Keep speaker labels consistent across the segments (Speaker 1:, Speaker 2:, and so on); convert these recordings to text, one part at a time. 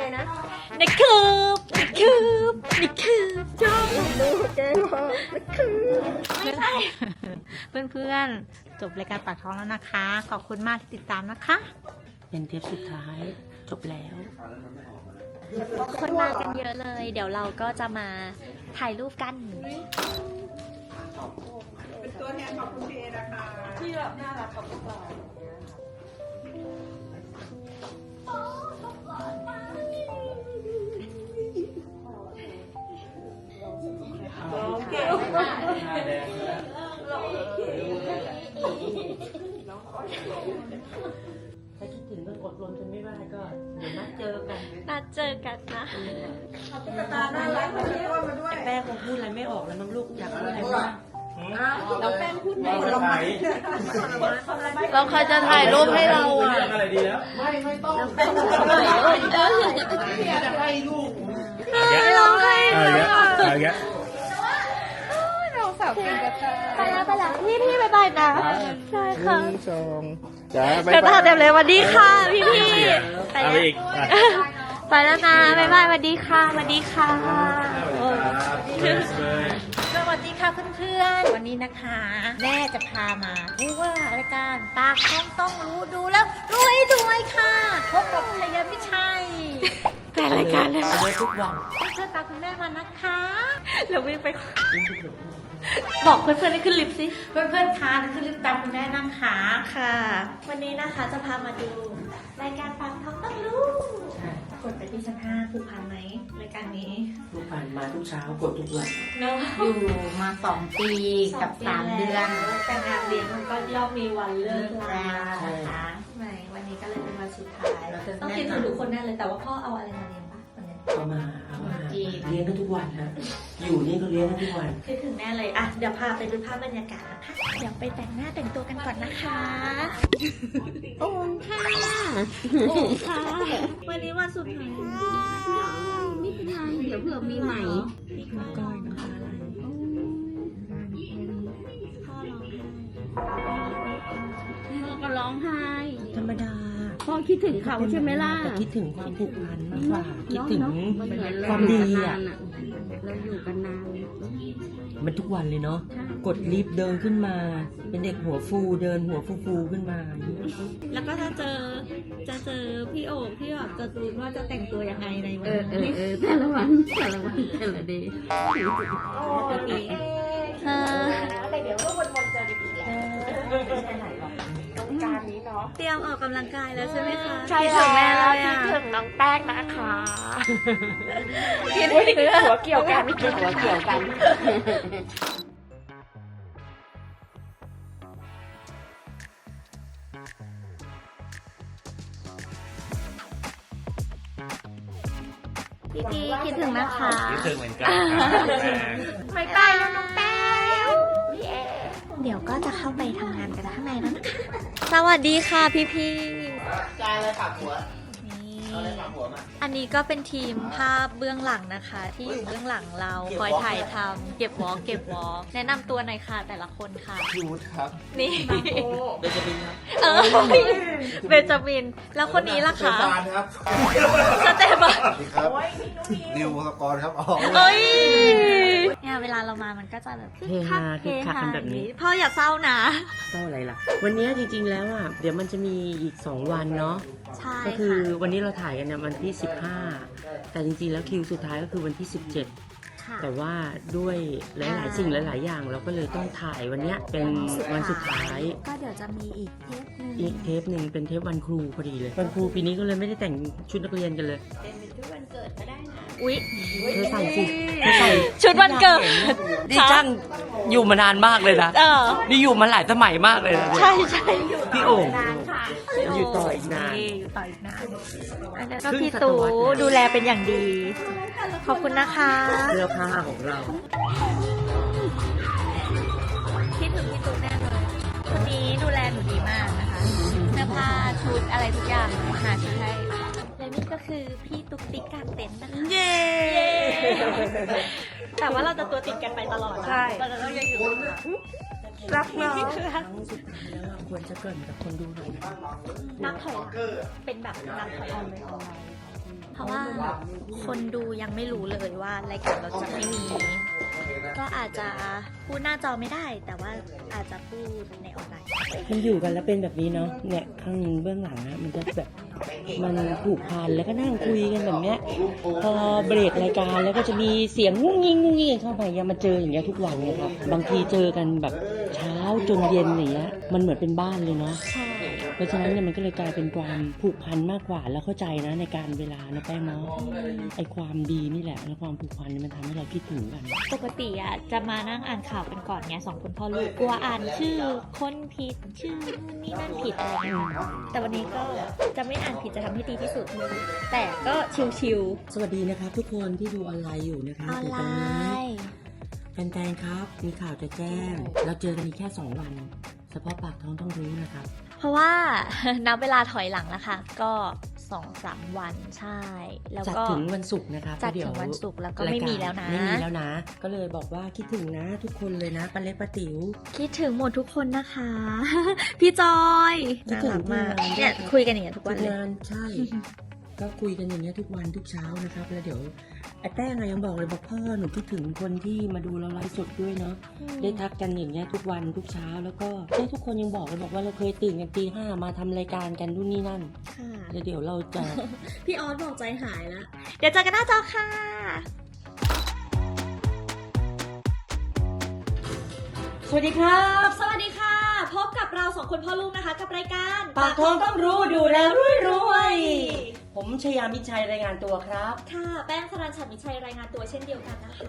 Speaker 1: นะ
Speaker 2: นี่คือ
Speaker 1: ชอบดูแกมากนะคือ
Speaker 2: ไม่ใช่เพื่อนๆจบรายการปากท้องแล้วนะคะ ขอบคุณมากที่ติดตามนะคะ
Speaker 3: เป็นเทปสุดท้ายจบแล้ว
Speaker 2: คนมากันเยอะเลย เดี๋ยวเราก็จะมาถ่ายรูปกัน
Speaker 1: เป็นตัวแทนของคุณเพนะคะที่แบบน่ารักกับพวกเราเก่งมาก
Speaker 3: ถ้าคิดถึงก็อดรนจนไม่ได้ก็เดี๋ยวนัดเจอกัน
Speaker 2: นัดเจอกันนะ
Speaker 1: ตุ๊กตาน่ารักมาด้วย
Speaker 3: แป้งคงพูดอะไรไม่ออกแล้วมั้งลูกอยากพูดอะไรบ้าง
Speaker 1: เราแป้งพูดไม่หมดเรา
Speaker 2: เราใครจะถ่ายรูปให้เราอ่ะ
Speaker 4: อะไรดีแล้ว
Speaker 1: ไม่ต้อง
Speaker 4: จะให้ลูก
Speaker 2: เราให้
Speaker 4: อะไรเงี้ย
Speaker 1: เราสาวเก่งกับ
Speaker 2: ไปแล้วพี่บายบายนะใช่ค่ะ
Speaker 4: สองจ้า
Speaker 2: เดี๋ยวตาเต็มเลยสวัสดีค่ะพี่ไป
Speaker 4: เอา
Speaker 2: แล้ว
Speaker 4: อีก
Speaker 2: ไปแล้วนะบายบายสวัสดีค่ะสวัสดีค่ะสวัสดีค่ะเพื่อนๆวันนี้นะคะ แม่จะพามาดูว่ารายการปากท้องต้องรู้ดูแล้วรวยค่ะพบกับชยมิชัยแฟนรายการเลย
Speaker 3: เจอทุกวัน
Speaker 2: เชิญตามคุณแม่มานะคะเราวิ่งไปบอกเพื่อนๆให้ขึ้นลิฟต์สิเพื่อนๆคะขึ้นลิฟต์ตามคุณแม่นั่งขาค่ะ วันนี้นะคะจะพามาดูรายการปากท้องต้องรู้กดไปที่ชั้น5ผูกพันไหมรายการนี้
Speaker 3: ทุกวันมาทุกเช้ากดทุกวัน
Speaker 2: เนาะ
Speaker 5: อยู่มา2 ปีกับ3 เดือน
Speaker 2: การงานเรียนมันก็ย่อมมีวันเลิกลานะคะไหนวันนี้ก็เลยเป็นวันสุดท้ายต้องคิดถึงทุกคนแน่เลยแต่ว่าพ่อเอาอะไรมาเรียนปะวันนี้
Speaker 3: เอามาเลี้ยงกันทุกวันฮะอยู่นี่ก็เลี้ยงกันทุกวัน
Speaker 2: คิดถึงแน่เลยอ่ะเดี๋ยวพาไปดูภาพบรรยากาศนะคะเดี๋ยวไปแต่งหน้าแต่งตัวกันก่อนนะคะโอ้ค่ะโอ้ค่ะวันนี้วันสุดท้าย
Speaker 5: ไม่เป็นไรเดี๋ยวเผื่อมีใหม่
Speaker 2: ก้อยนะคะอะไรพ่อร้องไห้
Speaker 5: พ่อก็ร้องไห้
Speaker 3: ธรรมดา
Speaker 5: พ่อคิดถึงเขาใช่ไหมล่ะ
Speaker 3: แต่คิดถึงความผูกพันมากกว่าคิดถึง
Speaker 5: มันเหมือน
Speaker 3: ความดีอ่ะ
Speaker 5: เราอยู่กันนาน
Speaker 3: มันทุกวันเลยเนาะกดลิฟต์เดินขึ้นมา เป็นเด็กหัวฟูเดินหัวฟูขึ้นมา
Speaker 2: แล้วก็จะเจอพี่โอ๋พี่แบบจะรู้ว่าจะแต่งตัวยังไงในวันนี้
Speaker 5: แต่ละวันแต่ละเดย์
Speaker 2: โอเคแต่เดี๋ยวก็วนๆเจอกันอีกการนี้เนาะเตรียมออกกำลังกายแล้วใช่ไหมคะใช่ถึงแม่แล้วคิดถึงน้องแป้งนะคะคิดถึงหัวเกี่ยวกันไม่คิดหัวเกี่ยวกัน พี่คิดถึงนะคะ
Speaker 4: คิดถึงเหมือนกันครับแม่
Speaker 2: ไม่ไปแล้วน้องแป้วเดี๋ยวก็จะเข้าไปทำงานกันข้างในแล้วนะคะสวัสดีค่ะพี่
Speaker 1: จายเลยปากหัว
Speaker 2: นี่
Speaker 1: เอาเลยปากหัวมา
Speaker 2: อันนี้ก็เป็นทีมภาพเบื้องหลังนะคะ ที่อยู่เบื้องหลังเราคอยถ่ายทำเก็บวอล์กแนะนำตัวหน่อยค่ะแต่ละคนค่ะ
Speaker 1: พี่วุฒิครับ
Speaker 2: นี่
Speaker 1: เบนจามินครับ
Speaker 2: เบนจามินแล้วคนนี้ล่ะคะ
Speaker 1: สเตฟานครับ
Speaker 2: สเตฟาน
Speaker 1: สวัสดีครับนิวสกรครับอ๋อ
Speaker 2: เอ้ยเนี่ยเวลาเรามามันก็จะแบบ
Speaker 3: เฮฮาคึกคักกันแบบนี้
Speaker 2: พ่ออย่าเศร้านะ
Speaker 3: เท่าอะไรล่ะ วันนี้จริงๆแล้วอ่ะเดี๋ยวมันจะมีอีก2 วันเนาะ
Speaker 2: ใช่
Speaker 3: ก็คือ
Speaker 2: ค่ะ
Speaker 3: วันนี้เราถ่ายกันเนี่ยวันที่15แต่จริงๆแล้วคิวสุดท้ายก็คือวันที่17
Speaker 2: ค่ะ
Speaker 3: แต่ว่าด้วยหลายๆสิ่งหลายๆอย่างเราก็เลยต้องถ่ายวันเนี้ยเป็นวันสุดท้าย
Speaker 2: ก็เดี๋ยวจะมีอีกเทปหนึง
Speaker 3: อีกเทปหนึ่งเป็นเทปวันครูพอดีเลยวันครูปีนี้ก็เลยไม่ได้แต่งชุดนักเรียนกันเลย
Speaker 2: อุ๊ย
Speaker 3: เธอใส่สิเธอใส่
Speaker 2: ชุดวันเกิด
Speaker 3: นี่จ้างอยู่มานานมากเลยนะ นี่อยู่มาหลายสมัยมากเลยนะ
Speaker 2: ใช่
Speaker 3: พี่โอ่ง
Speaker 2: นานค่ะ
Speaker 3: อยู่ต่ออีกนาน
Speaker 2: อยู่ต่ออีกนานอันนั้นก็พี่ตู่ดูแลเป็นอย่างดี ขอบคุณนะคะ
Speaker 3: เสื้อผ้าของเรา
Speaker 2: คิดถึงพี่ตู่แน่เลยคนนี้ดูแลหนูดีมากนะคะเสื้อผ้าชุดอะไรทุกอย่างหาชุดให้และนี่ก็คือพี่ตุ๊กติ๊กกางเต็นท์นะคะ
Speaker 3: เย้
Speaker 2: แต่ว่าเราจะตัวติดกันไปตลอดนะ
Speaker 3: ใช่
Speaker 2: เราจะต้องยังอยู่
Speaker 3: รักเราครั้งสุดท้ายแล้วอะควรจะเกริ่นกับคนดูหน่อยนะ
Speaker 2: นับถอยหลังเป็นแบบนับถอยหลังเลยของเราราะว่าคนดูยังไม่รู้เลยว่ารายการเราจะไม่มี ก็อาจจะพูดหน้าจอไม่ได้ แต่ว่าอาจจะพูดในออนไลน์
Speaker 3: มันอยู่กันแล้วเป็นแบบนี้เนาะเนี่ยข้างเบื้องหลังอะมันจะแบบมันผูกพันแล้วก็นั่งคุยกันแบบเนี้ยพอเบรกรายการแล้วก็จะมีเสียงงุ้งยิงงุ้งยิงเข้าไปยังมาเจออย่างเงี้ยทุกวันเลยครับบางทีเจอกันแบบเช้าจนเย็นอย่างเงี้ยมันเหมือนเป็นบ้านเลยเนาะ
Speaker 2: ใช่
Speaker 3: เพราะฉะนั้นเนี่ยมันก็เลยกลายเป็นความผูกพันมากกว่าแล้วเข้าใจนะในการเวลานะแป้งเนาะไอความดีนี่แหละและความผูกพันนี่มันทำให้เราคิดถึงกัน
Speaker 2: ปกติอ่ะจะมานั่งอ่านข่าวกันก่อนไงสองคนพ่อลูกกลัวอ่านชื่อคนผิดชื่อนู่นนี่นั่นผิดอะไรเงี้ยแต่วันนี้ก็จะไม่อ่านผิดจะทำให้ดีที่สุด แต่ก็ชิว
Speaker 3: สวัสดีนะครับทุกคนที่ดูออนไลน์อยู่นะคะ
Speaker 2: ๆออนไลน์
Speaker 3: แฟนๆครับมีข่าวจะแจ้งเราเจอกันอีกแค่2 วันเฉพาะปากท้องต้องรู้นะครับ
Speaker 2: เพราะว่า นับเวลาถอยหลังแล้วค่ะ ก็ 2-3 วันใช่ แล้ว
Speaker 3: จัด
Speaker 2: ก็
Speaker 3: ถึงวันศุกร์นะครับ
Speaker 2: จัด
Speaker 3: เดี๋ย
Speaker 2: ถึงวันศุกร์แล้วก็ไม่มีแล้วนะ
Speaker 3: ไม่มีแล้วนะ ก็เลยบอกว่าคิดถึงนะทุกคนเลยนะป้าเล็กป้าติ๋ว
Speaker 2: คิดถึงหมดทุกคนนะคะ พี่จอย
Speaker 3: คิดถึง
Speaker 2: น่ารักมาก
Speaker 3: ทุกวัน
Speaker 2: เนี่ยคุยกันอย่างเงี้ยทุกวันเลย
Speaker 3: งานใช่ ก็คุยกันอย่างเงี้ยทุกวันทุกเช้านะครับ แล้วเดี๋ยวไอ้แป้งอะยังบอกเลยบอกพ่อหนูคิดถึงคนที่มาดูเราไลฟ์สดด้วยเนาะได้ทักกันอย่างเงี้ยทุกวันทุกเช้าแล้วก็ทุกคนยังบอกเลยบอกว่าเราเคยตื่นกันตี 5มาทำรายการกันนู่นนี่นั่น
Speaker 2: ค่ะ
Speaker 3: แล้วเดี๋ยวเราจะ
Speaker 2: พี่ออสบอกใจหายแล้ว เดี๋ยวเจอกันหน้าจอค่ะ
Speaker 3: สวัสดีครับ
Speaker 2: สวัสดีค่ะ พบกับเราสองคนพ่อลูกนะคะ กับรายการ
Speaker 3: ปากท้องต้องรู้ดูแลรวยผมชยามิชัยรายงานตัวครับ
Speaker 2: ค่ะ แป้งสรัญฉัตรมิชัยรายงานตัวเช่นเดียวกันนะคะ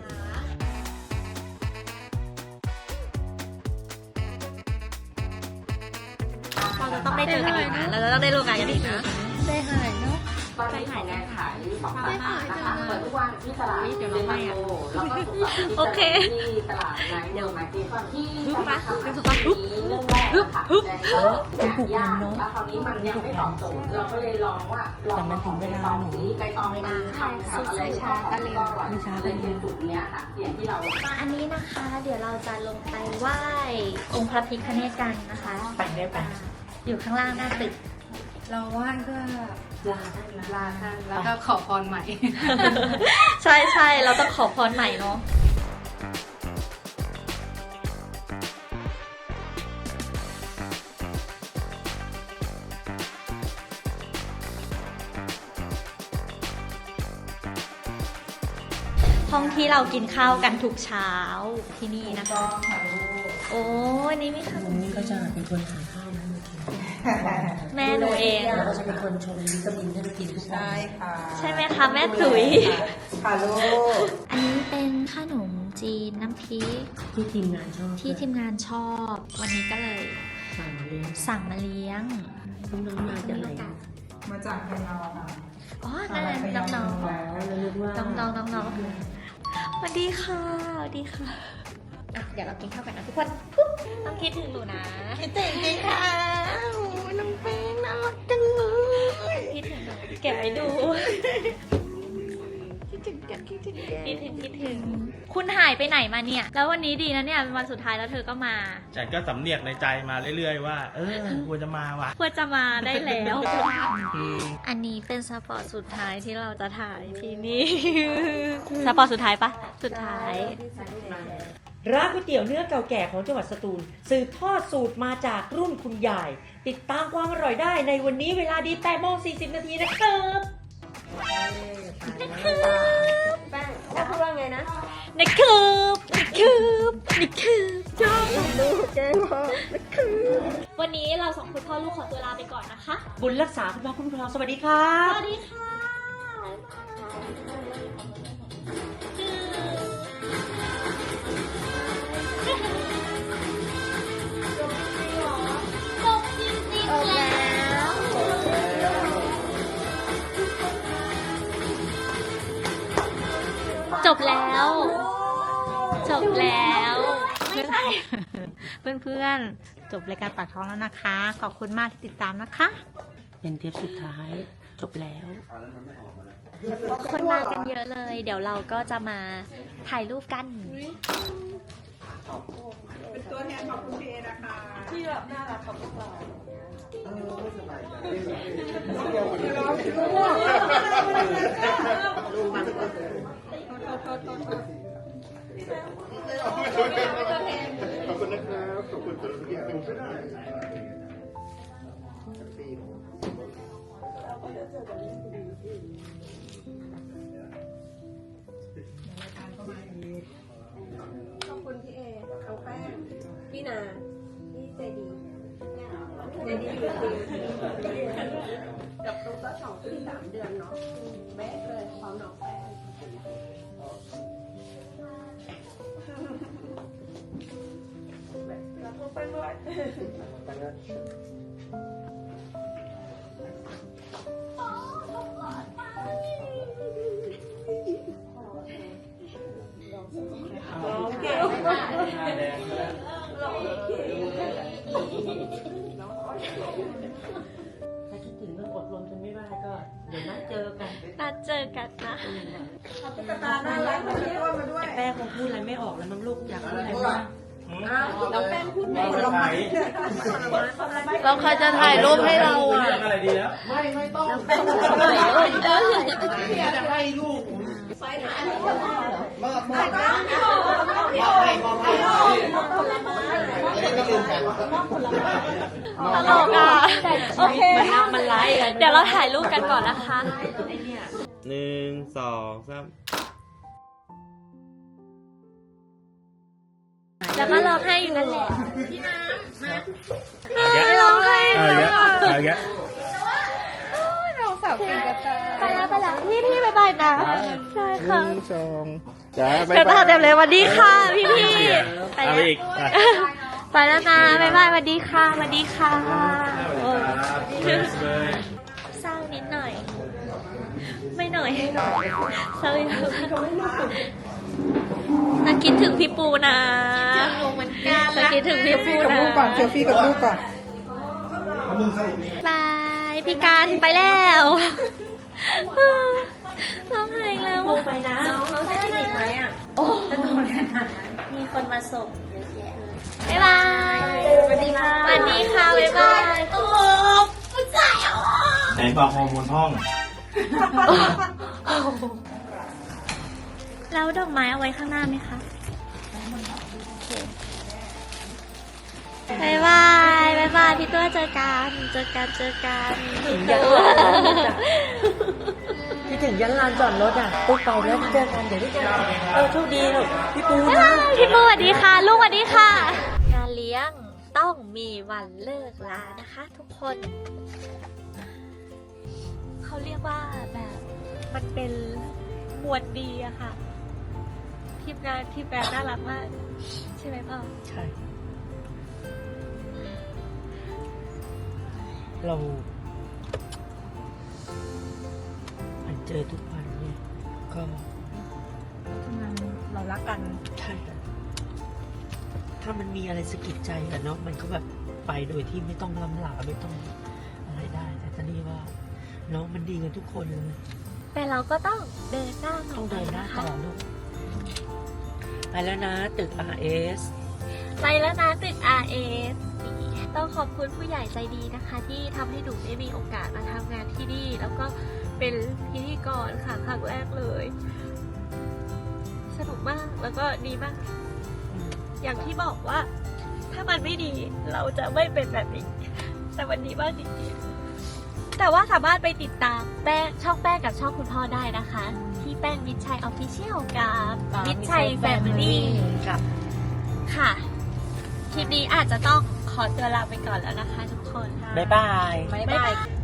Speaker 2: เราจะต้องได้เจอกันอีกนะเราจะต้องได้ร่วมงานกันอีกนะ
Speaker 5: ได้หายเนาะ
Speaker 6: ตอนนี้ของแนนขาย2 สาขานะคะเปิดทุกวันที่ตลาดเดลิเวอรี่แล้วก็สุกร์เสาร์
Speaker 2: โอเค
Speaker 6: ที่ตลาดไนท์เวิลด์มาร์เก็ตที่
Speaker 2: ฮึบมา
Speaker 6: ทำ
Speaker 2: ฮึ
Speaker 6: ขาย
Speaker 2: บมาฮึบ
Speaker 6: เรื่องแรกค่ะ
Speaker 2: ฮึบ
Speaker 6: แต่ก็ยากแล้วคราวนี้มันยังไม่ตอบโจทย์เราก็เลยลองว่าลองมาของใบตองสีใบตองมันทำอะไรชอบกันก็อร่อยเลยเป็นจุดเนี้ยค่ะอย่างที่เรา
Speaker 2: อันนี้นะคะ เดี๋ยวเราจะลงไปไหว้องค์พระพิฆเนศกันนะคะ
Speaker 3: ไปได้ปะ
Speaker 2: อยู่ข้างล่างหน้าตึก
Speaker 5: เราไหว้เพื่อ
Speaker 3: ลาท่าน
Speaker 5: ลาท่านแล้วก็ขอพรใหม่
Speaker 2: ใช่ใช่เราต้องขอพรใหม่เนาะห้องที่เรากินข้าวกันทุกเช้าที่นี่นะคะ โอ้อันนี้ไม่ค่ะ
Speaker 3: วันนี้ก็จะเป็นคนหาข้าวมาให้กิน
Speaker 2: แม่หนูเอง
Speaker 3: แล้วก็จะเป็นคนชงวิตามินให้เรากินทุกวัน
Speaker 1: ใช่ค่ะ
Speaker 2: ใช่ไหมคะแม่ตุ๋ย
Speaker 1: ค่ะลูก
Speaker 2: อันนี้เป็นขนมจีนน้ำพริก
Speaker 3: ที่ทีมงานชอบ
Speaker 2: ที่ทีมงานชอบ วันนี้ก็เลย
Speaker 3: สั่งเลี้ยง
Speaker 2: สั่งมาเลี้ยง
Speaker 3: น้องๆมาจากไหน
Speaker 1: มาจากพะเยาค่ะ
Speaker 2: อ๋อนั่นแหละน้อง
Speaker 3: แล้วเราเรียกว่า
Speaker 2: ๆน้องๆน้องๆสวัสดีค่ะสวัสดีค่ะอ่ะ เดี๋ยวเรากินข้าวกันนะทุกคนปุ๊บต้องคิดถึงหนูนะ
Speaker 1: คิดถึงจริงค่ะน้องแป้งน่ารักจังเลย
Speaker 2: คิดถึงหนูเก็บไว้ดู
Speaker 1: คิดถึงแกคิดถึงแก
Speaker 2: คิดถึง คุณหายไปไหนมาเนี่ย แล้ววันนี้ดีนะเนี่ยเป็นวันสุดท้ายแล้วเธอก็มา
Speaker 4: ฉันก็สำเนียกในใจมาเรื่อยๆว่า ควรจะมาว่ะ
Speaker 2: ควรจะมาได้แล้ว อันนี้เป็นสปอร์ตสุดท้ายที่เราจะถ่ายที่นี่ สปอร์ตสุดท้ายปะสุดท้าย
Speaker 3: ร้านก๋วยเตี๋ยวเนื้อเก่าแก่ของจังหวัดสตูลสืบทอดสูตรมาจากรุ่นคุณยาย ติดตามความอร่อยได้ในวันนี้เวลาดี8:40 นาทีนะครับ
Speaker 1: แป้งจะพูดว่าไงนะ
Speaker 2: นี่คือชอบ
Speaker 1: ลูกแกพ่อคือ
Speaker 2: วันนี้เราสองคนพ่อลูกขอตัวลาไปก่อนนะคะ
Speaker 3: บุญรักษาคุณพระคุ้มครองสวัสดีครับ
Speaker 2: สวัสดีค่ะจบจริงๆแล้ว จบแล้ว จบแล้วเพื่อนๆ จบรายการปากท้องแล้วนะคะ ขอบคุณมากที่ติดตามนะคะ
Speaker 3: เป็นเทปสุดท้ายจบแล้ว
Speaker 2: คนมากันเยอะเลย เดี๋ยวเราก็จะมาถ่ายรูปกัน
Speaker 1: เป็นตัวแทนของคุณพีเอนะคะที่แบบน่ารักของพวกเรา
Speaker 7: ขอบคุณนะครับ ขอบคุณสำหรับทุกอย่างไม่ได้
Speaker 1: ขอบคุณพี่เอน้องแป้งพี่นาพี่ใจดีใจดีกับตุ๊กก็2 ปี 3 เดือนเนาะแบ๊ะเลยพร้อมน้องแป้งแล้วก็ไปด้วย
Speaker 3: ถ้าคิดถึงก็อดรนจนไม่ได้ก็เดี๋ยวนัดเจอกัน
Speaker 2: นัดเจอกันนะ
Speaker 1: ตุ๊กตาน่ารักมาด้วย
Speaker 3: แป้งคงพูดอะไรไม่ออกแล้วมั้งลูกอยากพูดอะไรบ้าง
Speaker 1: น้องแป้งพูดไม่หมดหรอก
Speaker 5: เราใครจะถ่ายรูปให้เราอ่ะ
Speaker 4: เรื่องอะไรดีแล้ว
Speaker 2: ตลกอ่ะ โอเค
Speaker 3: มันไลฟ์กัน
Speaker 2: เดี๋ยวเราถ่ายรูปกันก่อนนะคะ
Speaker 8: 1 2 3
Speaker 2: แล้วก็ร้องไห้อยู่นั่นแหละ
Speaker 4: ไม่
Speaker 2: ร้องไห้
Speaker 4: เอาอีกแล้วเอาอีกแล้ว
Speaker 5: เราสาวกินกระต่าย
Speaker 2: ไปแล้วพี่บ๊ายบายนะใช่ค่ะ
Speaker 7: จ้า
Speaker 2: เดี๋ยวเต็มเลยสวัสดีค่ะพี่ไป
Speaker 4: เอา
Speaker 2: แล้ว
Speaker 4: อีกอ่ะ
Speaker 2: ไปแล้วนะบ๊ายบายสวัสดีค่ะสวัสดีค่ะโอ้ย
Speaker 4: เลย
Speaker 2: เศร้านิดหน่อย ไม่หน่อยเศร้าเยอะน่าคิดถึงพี่ปูนะน่าคิดถึงพี่ปูนะ
Speaker 1: เซลฟี่กับลูกก่อน
Speaker 2: บายพี่การไปแล้วร้องไห้แล้วไปนะน้องจะติดไหมอ่ะโอ้มีคนมาส่งเยอะแยะเลยบ๊ายบายสวัสดีค่ะสวัสดีค่ะบ๊ายบายโอ้ผู้ชายอ่ะ
Speaker 4: ไหนบอกฮอร์โมนห้อง
Speaker 2: แล้วดอกไม้เอาไว้ข้างหน้าไหมคะบ๊ายบายบ๊ายบายพี่ตัวเจอกันถึงยันลาน
Speaker 3: คิดถึงยันลานจอดรถอ่ะปุ๊บไปแล้วเจอกันเดี๋ยวได้เจอกันโชคดีลูกพี่ปูนะ
Speaker 2: พี่ปูสวัสดีค่ะลูกสวัสดีค่ะ งานเลี้ยงต้องมีวันเลิกลานะคะ ทุกคน เขาเรียกว่าแบบมันเป็นมวลดีอะค่ะทีมงานน่ารักมากใช่ไหมพ่อ
Speaker 3: ใช่ เราเจอทุกวันเนี่ยก็
Speaker 1: เรารักกัน
Speaker 3: ใช่ถ้ามันมีอะไรสะกิดใจอะเนาะมันก็แบบไปโดยที่ไม่ต้องล้ำหลาไม่ต้องอะไรได้ แต่ตอนนี้ว่าน้องมันดีกันทุกคนเลย
Speaker 2: แต่เราก็ต้องเดินหน้า
Speaker 3: ต้องเดินหน้า
Speaker 2: ะ
Speaker 3: ต่
Speaker 2: คะ
Speaker 3: อลูกไปแล้วนะตึก RS
Speaker 2: ไปแล้วนะตึก RS ต้องขอบคุณผู้ใหญ่ใจดีนะคะ ที่ทำให้หนูได้มีโอกาสมาทำงานที่นี่ แล้วก็เป็นพิธีกรค่ะครั้งแรกเลย สนุกมากแล้วก็ดีมาก อย่างที่บอกว่า ถ้ามันไม่ดีเราจะไม่เป็นแบบนี้ แต่วันนี้มากจริงๆแต่ว่าสามารถไปติดตามช่องแป้งกับช่องคุณพ่อได้นะคะ ที่แป้งมิตรชัยออฟฟิเชียลกับมิตรชัยแฟมิลี่
Speaker 3: ครับ
Speaker 2: ค่ะ คลิปนี้อาจจะต้องขอตัวลาไปก่อนแล้วนะคะทุกคน
Speaker 3: บ๊ายบาย
Speaker 2: บ๊ายบาย